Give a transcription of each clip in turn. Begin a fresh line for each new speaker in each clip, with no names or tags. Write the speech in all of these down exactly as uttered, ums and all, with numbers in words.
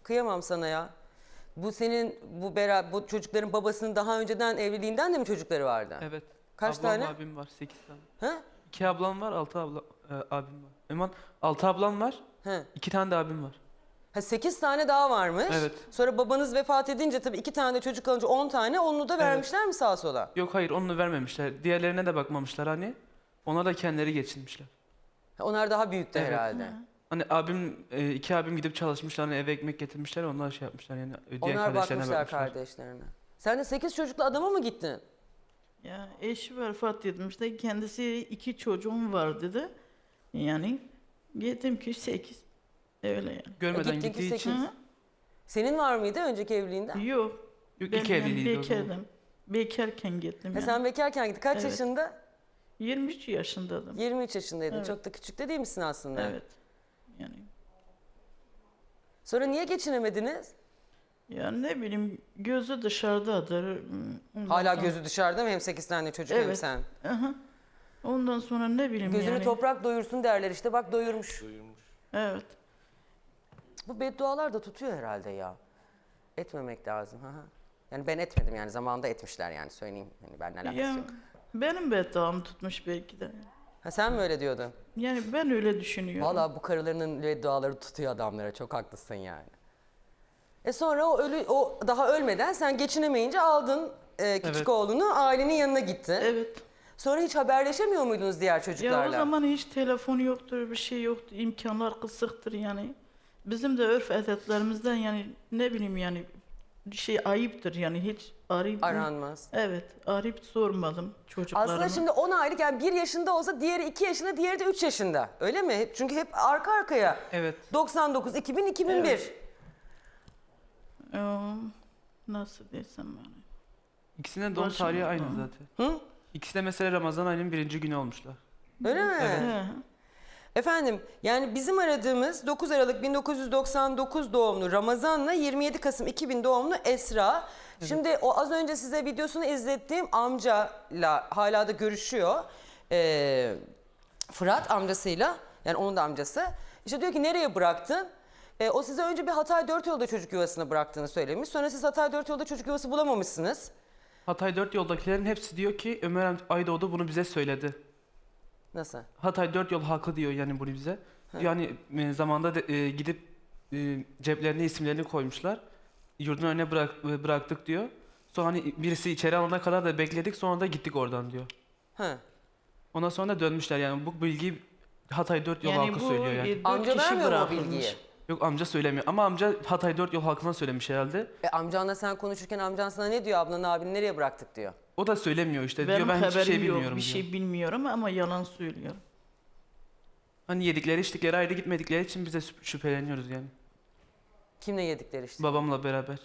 Kıyamam sana ya. Bu senin bu bera bu çocukların babasının daha önceden evliliğinden de mi çocukları vardı?
Evet.
Kaç
ablam,
tane?
abim var. Sekiz tane.
Ha?
İki ablam var, altı abla, e, abim var. Eman, altı ablam var,
Ha.
iki tane de abim var.
Ha sekiz tane daha varmış.
Evet.
Sonra babanız vefat edince tabii iki tane de çocuk kalınca on tane onu da vermişler mi sağa sola?
Yok hayır, onu vermemişler. Diğerlerine de bakmamışlar hani. Ona da kendileri geçinmişler.
Ha, onlar daha büyüktü
Evet.
herhalde.
Hani abim, e, iki abim gidip çalışmışlar, hani eve ekmek getirmişler, onlar şey yapmışlar yani. Diğer
Onlar
kardeşlerine
bakmışlar
bakmışlar.
kardeşlerine. Sen de sekiz çocuklu adama mı gittin?
Ya eşi vefat etmişti. Kendisi iki çocuğum var dedi. Yani gittim ki sekiz. Öyle yani.
Görmeden
Gittin ki
gittiği için.
sekiz.
Hı?
Senin var mıydı önceki evliliğinden?
Yok.
Yok,
Ben
ilk
yani
evliliğiydi o zaman.
bekardım. Bekarken gittim
Ha,
yani.
sen bekarken gittin. Kaç
Evet.
yaşında?
yirmi üç yaşındaydım.
yirmi üç yaşındaydın.
Evet.
Çok da küçük de değil misin aslında?
Evet. Yani
Sonra niye geçinemediniz?
ya ne bileyim gözü dışarıdadır. Ondan
Hala
sonra-
gözü dışarıda mı? Hem sekiz tane çocuk hem
Evet.
sen.
Aha. Ondan sonra ne bileyim
Gözünü
yani.
toprak doyursun derler işte. Bak doyurmuş.
Evet.
Bu beddualar da tutuyor herhalde ya. Etmemek lazım. Hı hı. Yani ben etmedim yani zamanında etmişler yani söyleyeyim. Hani benimle alakası
Ya
yok.
benim bedduam tutmuş belki de.
Ha, sen mi öyle diyordun?
Yani ben öyle düşünüyorum.
Vallahi bu karılarının bedduaları tutuyor adamlara. Çok haklısın yani. E sonra o ölü o daha ölmeden sen geçinemeyince aldın e, küçük
Evet.
oğlunu ailenin yanına gittin.
Evet.
Sonra hiç haberleşemiyor muydunuz diğer çocuklarla?
Ya o zaman hiç telefon yoktur, bir şey yoktur, imkanlar kısıktır yani. Bizim de örf adetlerimizden yani ne bileyim yani şey ayıptır yani hiç arayıp...
Aranmaz.
Evet, arayıp sormadım çocuklarıma.
Aslında şimdi on aylık yani bir yaşında olsa diğeri iki yaşında, diğeri de üç yaşında. Öyle mi? Çünkü hep arka arkaya.
Evet.
doksan dokuz, iki bin, iki bin bir.
Evet. Ee, nasıl desem yani.
İkisinin de doğum
Başım
tarihi aynı
ağrıyor.
zaten.
Hı?
İkisi de mesela Ramazan ayının birinci günü olmuşlar.
Öyle mi?
He.
Efendim yani bizim aradığımız dokuz Aralık bin dokuz yüz doksan dokuz doğumlu Ramazan'la yirmi yedi Kasım iki bin doğumlu Esra. Şimdi o az önce size videosunu izlettiğim amcayla hala da görüşüyor. Ee, Fırat amcasıyla, yani onun da amcası. İşte diyor ki nereye bıraktın? Ee, o size önce bir Hatay Dört Yolda çocuk yuvasına bıraktığını söylemiş. Sonra siz Hatay Dört Yolda çocuk yuvası bulamamışsınız.
Hatay dört yoldakilerin hepsi diyor ki Ömer Aydoğdu bunu bize söyledi.
Nasıl?
Hatay dört yol haklı diyor yani bunu bize. Yani e, zamanda de, e, gidip e, ceplerine isimlerini koymuşlar. Yurdun önüne bırak, e, bıraktık diyor. Sonra hani birisi içeri alana kadar da bekledik, sonra da gittik oradan diyor.
Ha.
Ondan sonra da dönmüşler yani bu bilgiyi Hatay dört yol
Yani
halkı
bu
söylüyor yani.
e, dört
Amca
kişi
vermiyor mu o
bırakılmış.
bilgiyi?
Yok amca söylemiyor ama amca Hatay dört yol halkına söylemiş herhalde.
E, amcanla sen konuşurken amcan sana ne diyor, ablanı abini nereye bıraktık diyor.
O da söylemiyor işte
Benim
diyor ben hiçbir
haberim
şey
yok,
bilmiyorum
bir
diyor.
şey bilmiyorum ama yalan söylüyorum.
Hani yedikleri içtikleri ayrı gitmedikleri için bize şüp- şüpheleniyoruz yani.
Kimle yedikleri işte.
Babamla beraber.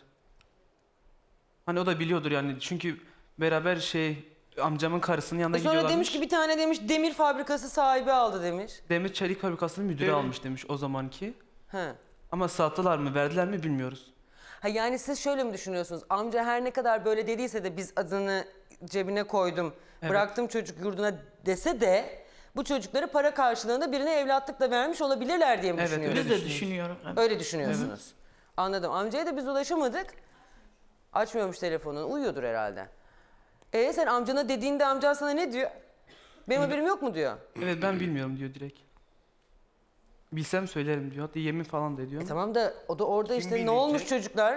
Hani o da biliyordur yani çünkü beraber şey amcamın karısının yanına
E sonra
gidiyorlarmış.
demiş ki bir tane demiş demir fabrikası sahibi aldı demiş.
Demir çelik fabrikasının müdürü
Öyle.
almış demiş o zamanki.
Ha.
Ama sattılar mı verdiler mi bilmiyoruz.
Ha yani siz şöyle mi düşünüyorsunuz? Amca her ne kadar böyle dediyse de biz adını cebine koydum,
Evet.
bıraktım çocuk yurduna dese de bu çocukları para karşılığında birine evlatlıkla vermiş olabilirler diye mi
Evet,
düşünüyorsunuz?
Biz
öyle
de düşünüyoruz.
Öyle düşünüyorsunuz. Anladım. Amcaya da biz ulaşamadık. Açmıyormuş telefonunu. Uyuyordur herhalde. E sen amcana dediğinde amcan sana ne diyor? Benim haberim yok mu diyor.
Evet ben bilmiyorum diyor direkt. Bilsem söylerim diyor. Hatta yemin falan da ediyor.
E tamam da o da orada
Kim
işte ne
bilecek?
olmuş çocuklar?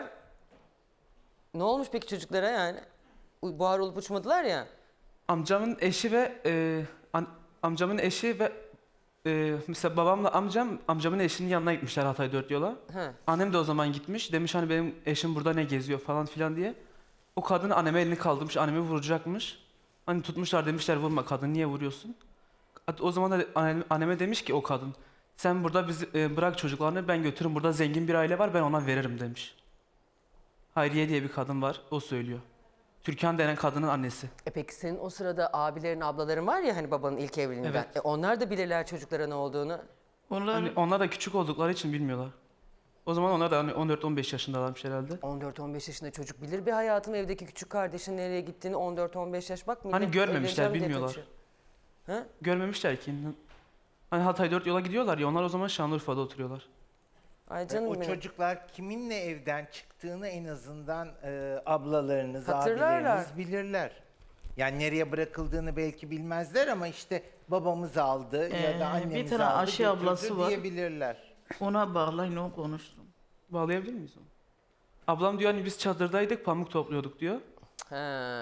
Ne olmuş peki çocuklara yani? U- Buhar olup uçmadılar ya.
Amcamın eşi ve e, an- amcamın eşi ve e, mesela babamla amcam amcamın eşinin yanına gitmişler Hatay dört yola.
He.
Annem de o zaman gitmiş. Demiş hani benim eşim burada ne geziyor falan filan diye. O kadın anneme elini kaldırmış. Annemi vuracakmış. Hani tutmuşlar demişler vurma kadın niye vuruyorsun? Hatta o zaman da annem- anneme demiş ki o kadın. Sen burada bizi e, bırak çocuklarını ben götürürüm. Burada zengin bir aile var ben ona veririm demiş. Hayriye diye bir kadın var. O söylüyor. Türkan denen kadının annesi.
E peki senin o sırada abilerin, ablaların var ya hani babanın ilk evliliğinden.
Evet.
E onlar da bilirler çocuklara ne olduğunu.
Onlar
Hani onlar da küçük oldukları için bilmiyorlar. O zaman onlar da hani on dört on beş yaşındalarmış herhalde.
on dört on beş yaşında çocuk bilir bir hayatın evdeki küçük kardeşin nereye gittiğini on dört on beş yaş bak. millet
Hani görmemişler,
evleneceğim diye
bilmiyorlar.
kaçıyor. Ha?
Görmemişler ki. Hani Hatay dört yola gidiyorlar ya onlar o zaman Şanlıurfa'da oturuyorlar.
Ay canım
o
benim.
çocuklar kiminle evden çıktığını en azından e, ablalarınız,
Hatırlarlar.
abileriniz bilirler. Yani nereye bırakıldığını belki bilmezler ama işte babamız aldı ya
Ee, bir
da annemiz
tane
aldı
Ayşe
götürdü
ablası var.
diyebilirler.
Ona bağlayın, o konuşsun.
Bağlayabilir miyiz onu? Ablam diyor hani biz çadırdaydık, pamuk topluyorduk diyor.
He.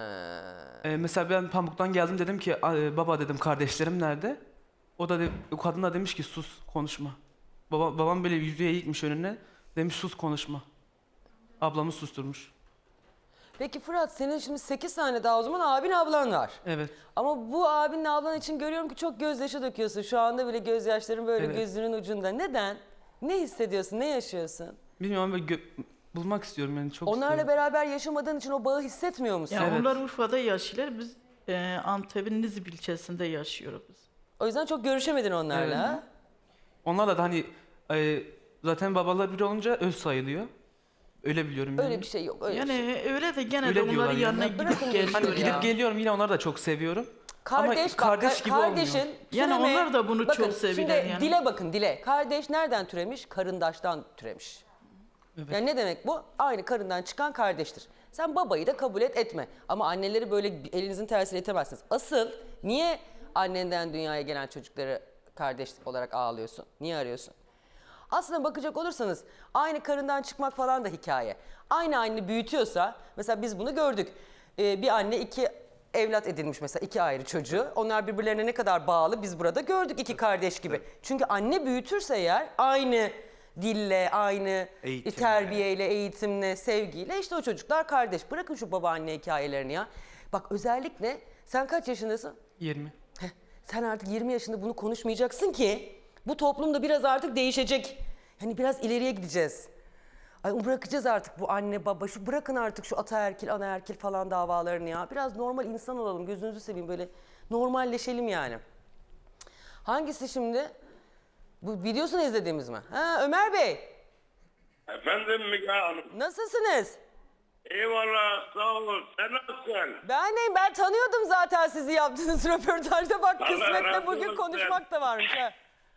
Ee, mesela ben pamuktan geldim, dedim ki "A- baba dedim kardeşlerim nerede? O da de, o kadın da demiş ki sus konuşma. Baba, babam böyle yüzüğe eğikmiş önüne, demiş sus konuşma. Ablamı susturmuş.
Peki Fırat, senin şimdi sekiz tane daha o zaman abin ablan var.
Evet.
Ama bu abinle ablan için görüyorum ki çok gözyaşı döküyorsun. Şu anda bile gözyaşların böyle
Evet.
gözünün ucunda. Neden? Ne hissediyorsun? Ne yaşıyorsun?
Bilmiyorum böyle gö- bulmak istiyorum yani çok
Onlarla
istiyorum.
beraber yaşamadığın için o bağı hissetmiyor musun?
Yani
Evet.
onlar Urfa'da yaşıyorlar, biz e, Antep'in Nizip ilçesinde yaşıyoruz biz.
O yüzden çok görüşemedin onlarla.
Evet.
ha?
Onlarla da hani e, zaten babalar bir olunca öz sayılıyor. Öyle biliyorum yani.
Öyle bir şey yok. Öyle
Yani
bir şey.
öyle de gene
Öyle
de onların
diyorlar yani.
yanına
Ya
gidip
bırakın
geliyor.
Hani
ya.
gidip geliyorum, yine onları da çok seviyorum.
Kardeş,
Ama
bak,
kardeş
ka-
gibi
kardeşin
olmuyor.
Yani
türeme-
onlar da bunu
bakın,
çok seviyorlar
şimdi
yani.
dile bakın, dile. Kardeş nereden türemiş? Karındaştan türemiş. Yani ne demek bu? Aynı karından çıkan kardeştir. Sen babayı da kabul et etme. Ama anneleri böyle elinizin tersiyle itemezsiniz. Asıl niye annenden dünyaya gelen çocukları kardeş olarak ağlıyorsun? Niye arıyorsun? Aslında bakacak olursanız aynı karından çıkmak falan da hikaye. Aynı anne büyütüyorsa, mesela biz bunu gördük. Ee, bir anne iki evlat edinmiş mesela, iki ayrı çocuğu. Onlar birbirlerine ne kadar bağlı biz burada gördük, iki kardeş gibi. Çünkü anne büyütürse eğer aynı dille, aynı
Eğitimle.
terbiyeyle, eğitimle, sevgiyle işte o çocuklar kardeş. Bırakın şu babaanne hikayelerini ya. Bak özellikle sen kaç yaşındasın?
yirmi.
Heh, sen artık yirmi yaşında bunu konuşmayacaksın ki bu toplumda biraz artık değişecek. Hani biraz ileriye gideceğiz. Ay bırakacağız artık bu anne baba, şu bırakın artık şu ataerkil anaerkil falan davalarını ya. Biraz normal insan olalım, gözünüzü seveyim, böyle normalleşelim yani. Hangisi şimdi? Bu videosunu izlediğimiz mi? Ha, Ömer Bey,
Efendim Müge Hanım.
nasılsınız?
Eyvallah, sağ olun. Sen nasılsın?
Ben deyim, ben tanıyordum zaten sizi yaptığınız röportajda. Bak
Allah
kısmetle
razı
bugün
olsun.
konuşmak da varmış. Ha.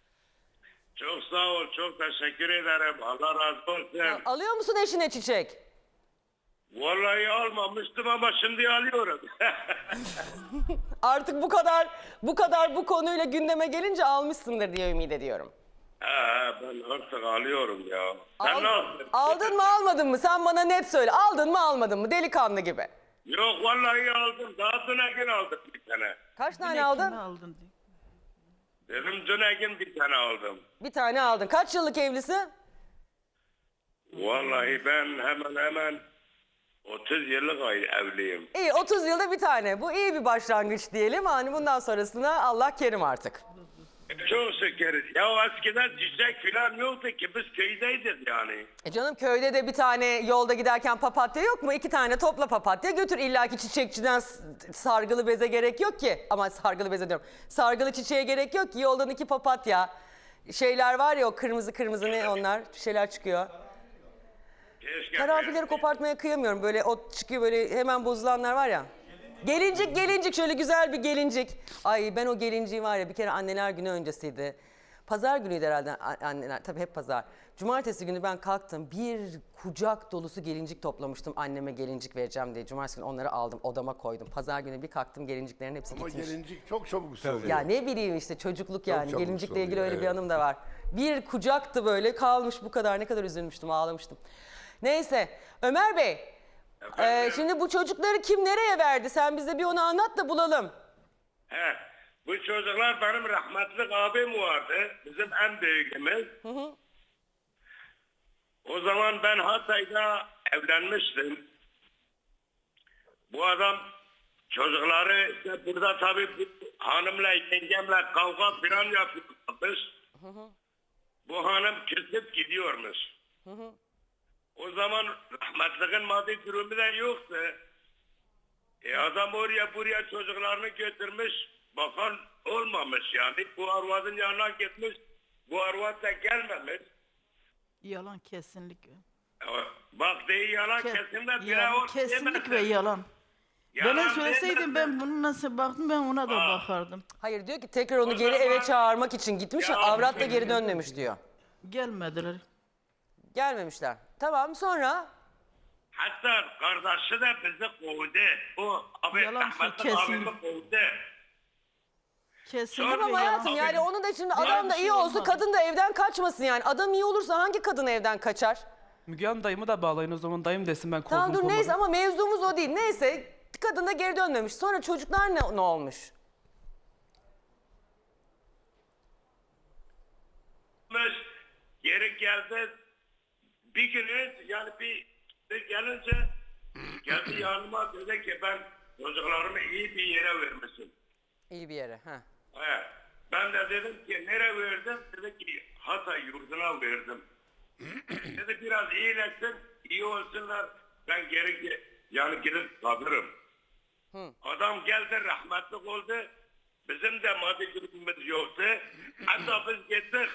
Çok sağ ol, çok teşekkür ederim. Allah razı olsun.
Alıyor musun eşine çiçek?
Vallahi almamıştım ama şimdi alıyorum.
Artık bu kadar bu kadar bu konuyla gündeme gelince almışsındır diye ümit ediyorum.
Ha, ben artık alıyorum ya. Sen
Al-
nasılsın?
aldın mı almadın mı? Sen bana net söyle. Aldın mı almadın mı? Delikanlı gibi.
Yok vallahi aldım. Daha dün gün aldım bir tane.
Kaç tane
Yine
aldın?
kimi aldın diye.
Dedim dün gün bir tane aldım.
Bir tane aldın. Kaç yıllık evlisin?
Vallahi ben hemen hemen otuz yıllık ay- evliyim.
İyi, otuz yılda bir tane. Bu iyi bir başlangıç diyelim. Hani bundan sonrasına Allah kerim artık.
Çok şükür. Ya eskiden çiçek falan yoktu ki, biz köydeydik yani.
E canım, köyde de bir tane yolda giderken papatya yok mu? İki tane topla papatya götür. İlla ki çiçekçiden s- sargılı beze gerek yok ki. Ama sargılı beze diyorum. Sargılı çiçeğe gerek yok ki. Yoldan iki papatya. Şeyler var ya, o kırmızı kırmızı ne onlar? Bir şeyler çıkıyor.
Keşke
Karanfilleri kopartmaya kıyamıyorum. Böyle o çıkıyor, böyle hemen bozulanlar var ya. Gelincik gelincik, şöyle güzel bir gelincik. Ay ben o gelinciği var ya, bir kere anneler günü öncesiydi. Pazar günüydü herhalde a- anneler, tabii hep pazar. Cumartesi günü ben kalktım, bir kucak dolusu gelincik toplamıştım anneme gelincik vereceğim diye. Cumartesi günü onları aldım, odama koydum. Pazar günü bir kalktım, gelinciklerin hepsi
Ama
gitmiş.
gelincik çok çabuk söylüyor.
Ya ne bileyim işte, çocukluk yani.
çabuk
Gelincikle ilgili
soruyor,
öyle bir
evet.
anım da var. Bir kucaktı böyle, kalmış bu kadar, ne kadar üzülmüştüm, ağlamıştım. Neyse Ömer Bey, e, şimdi bu çocukları kim nereye verdi? Sen bize bir onu anlat da bulalım.
He, bu çocuklar benim rahmetli abim vardı. Bizim en büyüğümüz. O zaman ben Hatay'da evlenmiştim. Bu adam çocukları işte burada tabii bu hanımla yengemle kavga falan yapıyormuş. Bu hanım küsüp gidiyormuş. O zaman rahmetliğin maddi durumu da yoktu. E adam oraya buraya çocuklarını götürmüş, bakan olmamış yani. Bu arvadın yanına gitmiş, bu arvad da gelmemiş.
Yalan, kesinlikle.
E, Bak değil yalan
Ke-
kesinlikle bile
yalan,
o
kesinlikle
diyemezsin.
yalan.
Yalan
Bana söyleseydin
diyemezsin.
ben bunu nasıl baktım, ben ona da bakardım.
Hayır, diyor ki tekrar onu
O
geri
zaman-
eve çağırmak için gitmiş,
Ya-
avrat da geri dönmemiş diyor.
Gelmediler.
Gelmemişler. Tamam, sonra?
Hatta kardeşi de bizi kovdu. O abi
Yalan
Ahmet'in
kesin.
abimi kovdu.
Kesinlikle
Tamam
yalan.
hayatım, yani onun da şimdi adam
bir
da
şey
iyi olsa
olmadı.
kadın da evden kaçmasın yani. Adam iyi olursa hangi kadın evden kaçar?
Müge Hanım dayımı da bağlayın o zaman. Dayım desin ben kovdum
Tamam dur
kovmadım.
neyse, ama mevzumuz o değil. Neyse, kadın da geri dönmemiş. Sonra çocuklar ne, ne olmuş?
Geri geldi. Bir günü yani bir, bir gelince geldi yanıma dedi ki ben çocuklarımı iyi bir yere vermişim.
İyi bir yere. Ha.
He. Ben de dedim ki nereye verdim? Dedi ki Hatay yurduna verdim. Dedi biraz iyileşsin, iyi olsunlar. Ben geri ge- yani gidip kalırım. Adam geldi, rahmetli oldu. Bizim de maddi durumumuz yoktu. Hatta biz gittik.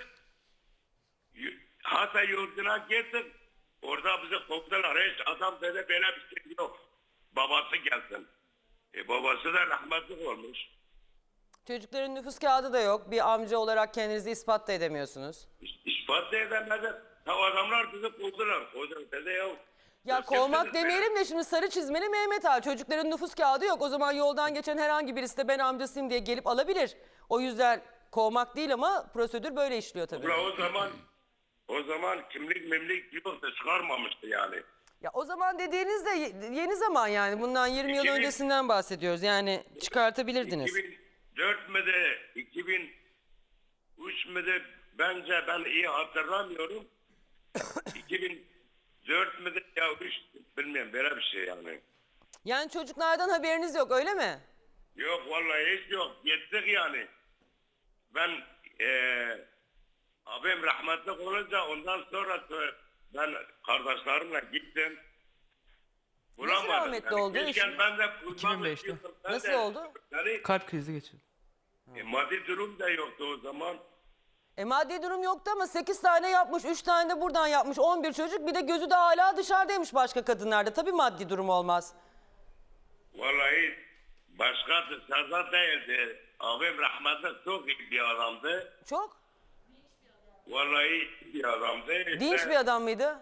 Y- Hatay yurduna gittik. Orada bizi kovdular. Hiç adam dedi böyle bir şey yok. Babası gelsin. E babası da rahmetli olmuş.
Çocukların nüfus kağıdı da yok. Bir amca olarak kendinizi ispat da edemiyorsunuz.
İs- İspat da edemedi. Ya adamlar bizi kovdular. Hocam dedi ya.
Ya
siz
kovmak
kimsiniz
demeyelim de şimdi sarı çizmeli Mehmet Ağa. Çocukların nüfus kağıdı yok. O zaman yoldan geçen herhangi birisi de ben amcasıyım diye gelip alabilir. O yüzden kovmak değil ama prosedür böyle işliyor tabii.
Ulan o zaman o zaman kimlik memlik yoktu, çıkarmamıştı yani.
Ya o zaman dediğiniz de ye- yeni zaman yani. Bundan yirmi yıl
iki bin
öncesinden bahsediyoruz. Yani çıkartabilirdiniz.
iki bin dört mü de iki bin üç mü de bence ben iyi hatırlamıyorum. iki bin dört mü de ya üç bilmiyorum böyle bir şey yani.
Yani çocuklardan haberiniz yok öyle mi?
Yok vallahi hiç yok. Gittik yani. Ben eee abim rahmetli olunca ondan sonra ben kardeşlerimle gittim. Bulamadım.
rahmetli oldu?
Keşke ben de bulmam
iki bin beşte.
istiyordum. Ben
Nasıl
de-
oldu?
Yani
Kalp krizi geçirdim.
e, maddi durum da yoktu o zaman.
E maddi durum yoktu ama sekiz tane yapmış, üç tane de buradan yapmış, on bir çocuk. Bir de gözü de hala dışarıdaymış başka kadınlarda. Tabii maddi durum olmaz.
Vallahi başka dışarıda değildi. Abim rahmetli çok iyi bir adamdı.
Çok
Vallahi iyi bir adamdı. İşte
dinç bir adam mıydı?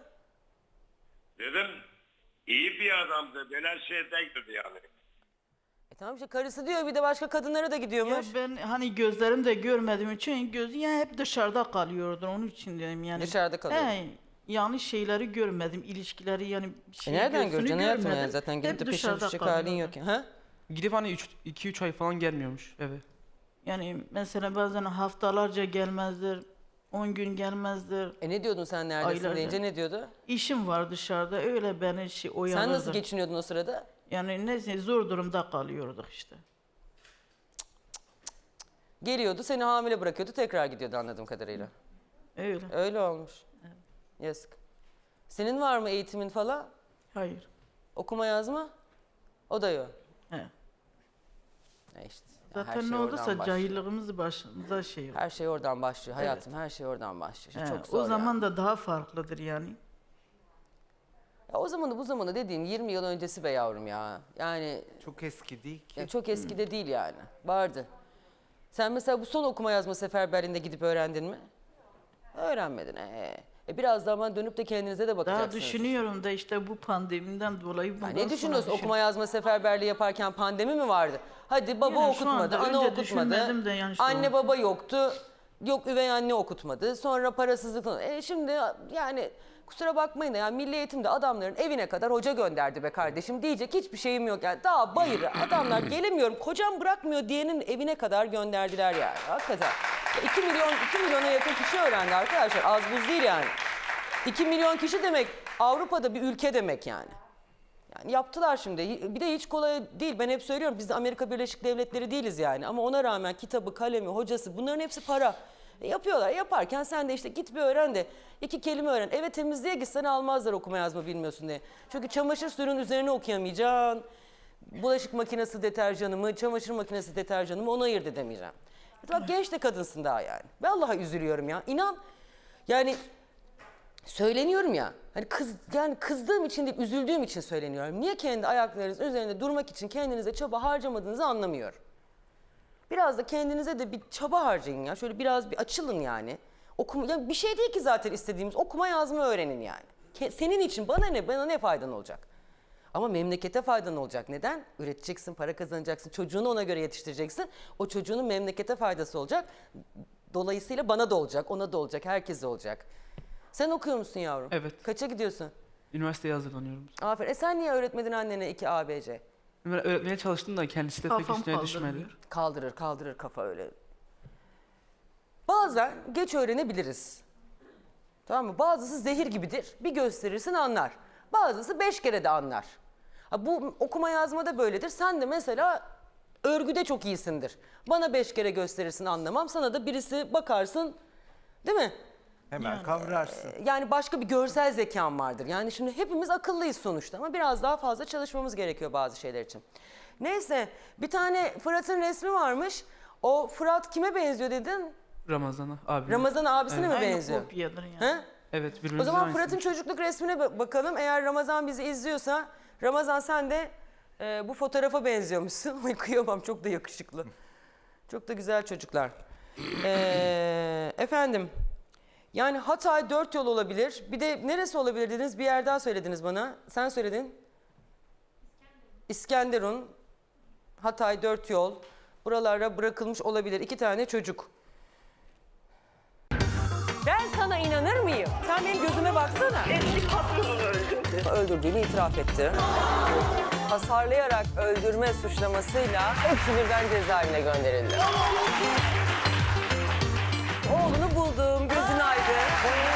Dedim iyi bir adamdı. Böyle şey değildi yani.
E tamam işte karısı diyor, bir de başka kadınlara da
Ya
gidiyormuş.
ben hani gözlerim de görmediğim için gözü ya hep dışarıda kalıyordu, onun için dedim yani.
Dışarıda kalıyordu.
He, yanlış şeyleri görmedim, ilişkileri yani bir
E
şey
nereden
gözünü
göreceksin hayatım
görmedim.
yani, zaten gidip
Hep
de peşine
dışarıda
düşecek halin
kalıyordu.
yok. ya. Ha?
Gidip hani iki üç ay falan gelmiyormuş eve.
Yani mesela bazen haftalarca gelmezdir, on gün gelmezdir.
E ne diyordun sen neredesin
Aylarca.
deyince ne diyordu?
İşim var dışarıda, öyle beni şey oyalardı.
Sen nasıl geçiniyordun o sırada?
Yani neyse zor durumda kalıyorduk işte.
Geliyordu, seni hamile bırakıyordu, tekrar gidiyordu anladığım kadarıyla.
Öyle.
Öyle olmuş. Yazık. Senin var mı eğitimin falan?
Hayır.
Okuma yazma? O da yok.
He.
E işte. ya her
Zaten
şey
ne
oradan
olduysa
başlıyor.
cahilliğimiz başımıza şey oldu.
Her şey oradan başlıyor hayatım, her şey oradan başlıyor.
He,
Çok zor
o zaman
yani.
da daha farklıdır yani.
Ya o zamanı bu zamanı dediğin yirmi yıl öncesi be yavrum ya. Yani
Çok eski değil ki.
ya çok eskide değil yani. Vardı. Sen mesela bu son okuma yazma seferberliğinde gidip öğrendin mi? Öğrenmedin. Ee. E biraz zaman dönüp de kendinize de
Daha
bakacaksınız.
düşünüyorum da işte bu pandemiden dolayı
Ya
bundan
ne
sonra
düşünüyorsun?
düşün-
Okuma yazma seferberliği yaparken pandemi mi vardı? Hadi baba
Yani şu
okutmadı,
anda
ana
önce
okutmadı.
düşünmedim de yani şu
Anne
an.
baba yoktu. Yok üvey anne okutmadı. Sonra parasızlık falan. E şimdi yani kusura bakmayın da yani milli eğitimde adamların evine kadar hoca gönderdi be kardeşim. Diyecek hiçbir şeyim yok yani. Daha bayır adamlar gelemiyorum, kocam bırakmıyor diyenin evine kadar gönderdiler yani. Hakikaten. iki milyon, iki milyona yakın kişi öğrendi arkadaşlar. Az buz değil yani. iki milyon kişi demek Avrupa'da bir ülke demek yani. Yani yaptılar şimdi. Bir de hiç kolay değil. Ben hep söylüyorum biz de Amerika Birleşik Devletleri değiliz yani. Ama ona rağmen kitabı, kalemi, hocası bunların hepsi para. E yapıyorlar. Yaparken sen de işte git bir öğren de iki kelime öğren. Eve temizliğe gitsen almazlar okuma yazma bilmiyorsun diye. Çünkü çamaşır suyunun üzerine okuyamayacaksın. Bulaşık makinesi deterjanı mı, çamaşır makinesi deterjanı mı onu ayırt edemeyeceğim. Bak genç de kadınsın daha yani. Vallahi üzülüyorum ya. İnan yani söyleniyorum ya. Hani kız yani kızdığım için değil, üzüldüğüm için söyleniyorum. Niye kendi ayaklarınız üzerinde durmak için kendinize çaba harcamadığınızı anlamıyorum. Biraz da kendinize de bir çaba harcayın ya. Şöyle biraz bir açılın yani. Okuma, ya bir şey değil ki zaten istediğimiz. Okuma yazma öğrenin yani. Ke- Senin için bana ne, bana ne faydan olacak? Ama memlekete faydan olacak. Neden? Üreteceksin, para kazanacaksın, çocuğunu ona göre yetiştireceksin. O çocuğunun memlekete faydası olacak. Dolayısıyla bana da olacak, ona da olacak, herkese olacak. Sen okuyor musun yavrum?
Evet.
Kaça gidiyorsun?
Üniversiteye hazırlanıyorum.
Aferin. E sen niye öğretmedin annene iki A B C?
Öğre- Öğretmeye çalıştım da kendisi de pek
Kafam
üstüne
kaldırmıyor.
düşmedi.
Kaldırır, kaldırır kafa öyle. Bazen geç öğrenebiliriz. Tamam mı? Bazısı zehir gibidir. Bir gösterirsin anlar. Bazısı beş kere de anlar. Ha, bu okuma yazma da böyledir. Sen de mesela örgüde çok iyisindir. Bana beş kere gösterirsin anlamam. Sana da birisi bakarsın, değil mi?
Hemen kavrarsın.
Yani başka bir görsel zekan vardır. Yani şimdi hepimiz akıllıyız sonuçta ama biraz daha fazla çalışmamız gerekiyor bazı şeyler için. Neyse, bir tane Fırat'ın resmi varmış. O Fırat kime benziyor dedin?
Ramazan'a abi.
Ramazan abisine mi
Aynı
benziyor?
kopyadır yani.
He?
Evet
O
birbirimizin
zaman
aynısıyız.
Fırat'ın çocukluk resmine ba- bakalım. Eğer Ramazan bizi izliyorsa, Ramazan sen de e, bu fotoğrafa benziyormuşsun. Ay kıyamam, çok da yakışıklı. Çok da güzel çocuklar. Ee, efendim, yani Hatay dört yol olabilir. Bir de neresi olabilir dediniz? Bir yer daha söylediniz bana. Sen söyledin. İskenderun, Hatay dört yol. Buralara bırakılmış olabilir. İki tane çocuk. Ben sana inanır mıyım? Sen benim gözüme baksana.
Eski patronunu öldürdü.
Öldürdüğünü itiraf etti. Hasarlayarak öldürme suçlamasıyla hepsi birden cezaevine gönderildi. Oğlunu buldum, gözün aydın.